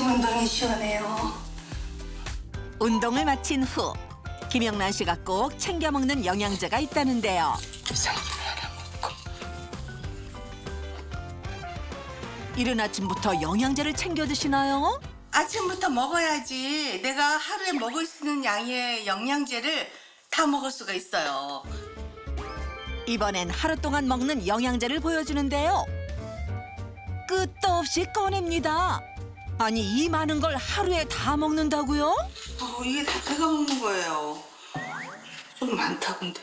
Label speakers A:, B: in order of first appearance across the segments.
A: 엉덩이 시원해요.
B: 운동을 마친 후 김영란 씨가 꼭 챙겨 먹는 영양제가 있다는데요.
A: 비상김을 하나 먹고.
B: 이른 아침부터 영양제를 챙겨 드시나요?
A: 아침부터 먹어야지 내가 하루에 먹을 수 있는 양의 영양제를 다 먹을 수가 있어요.
B: 이번엔 하루 동안 먹는 영양제를 보여주는데요. 끝도 없이 꺼냅니다. 아니 이 많은 걸 하루에 다 먹는다고요?
A: 이게 다 제가 먹는 거예요. 좀 많다 근데.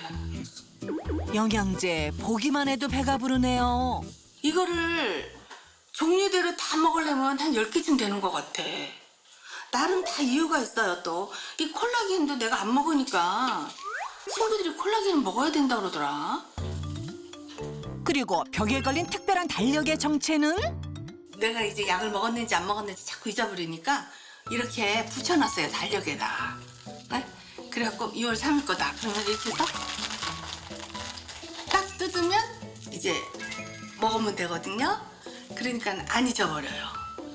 B: 영양제 보기만 해도 배가 부르네요.
A: 이거를 종류대로 다 먹으려면 한 10개쯤 되는 것 같아. 나름 다 이유가 있어요 또. 이 콜라겐도 내가 안 먹으니까 친구들이 콜라겐을 먹어야 된다 그러더라.
B: 그리고 벽에 걸린 특별한 달력의 정체는?
A: 내가 이제 약을 먹었는지 안 먹었는지 자꾸 잊어버리니까 이렇게 붙여놨어요 달력에다. 네? 그래갖고 2월 3일 거다. 그러면 이렇게 해서 딱 뜯으면 이제 먹으면 되거든요. 그러니까 안 잊어버려요.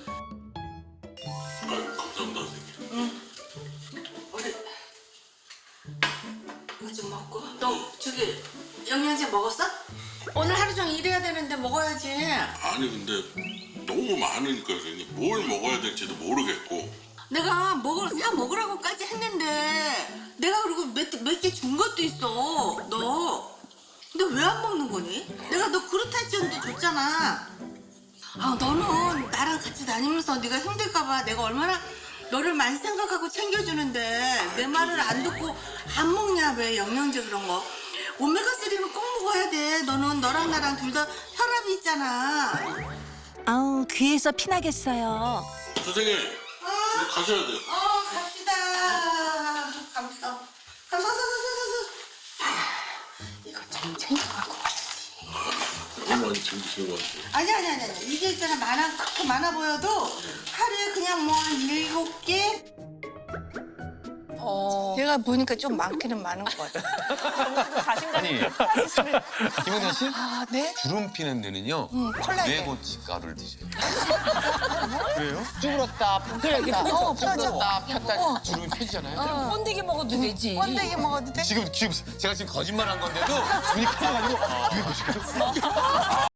C: 감사합니다, 선생님.
A: 우리 이거 좀 먹고. 너 저기 영양제 먹었어? 오늘 하루 종일 일해야 되는데 먹어야지.
C: 아니 근데 너무 많으니까 선생님 뭘 먹어야 될지도 모르겠고.
A: 내가 사 먹으라고까지 했는데 내가 그리고 몇 개 준 것도 있어. 너 근데 왜 안 먹는 거니? 내가 너 그루타치온도 줬잖아. 너는 나랑 같이 다니면서 네가 힘들까봐 내가 얼마나 너를 많이 생각하고 챙겨주는데 내 말을 안 듣고 안 먹냐 왜 영양제 그런 거. 오메가3는 꼭 먹어야 돼. 너는 너랑 나랑 둘 다 혈압이 있잖아.
B: 아우 귀에서 피나겠어요.
C: 선생님 이제 가셔야 돼요.
A: 갑시다. 감사. 이거 좀 챙겨갖고 가야지.
C: 너무 많이 챙기시는 것 같아요.
A: 아니. 이게 있잖아. 그렇게 많아 보여도 하루에 그냥 뭐 한 7개? 내가 보니까 좀 많기는 많은 것 같아.
D: 아니, 김영란 씨?
A: 네?
D: 주름 피는 데는요.
A: 콜라겐.
D: 뇌고춧가루를 드세요. 그래요?
E: 쭈그렀다 폈다
A: 펴졌다.
E: 폈다 주름이 펴지잖아요.
F: 번데기 먹어도 되지.
A: 번데기 먹어도 돼?
D: 지금 제가 지금 거짓말한 건데도 눈이 커가지고 뇌고춧가루.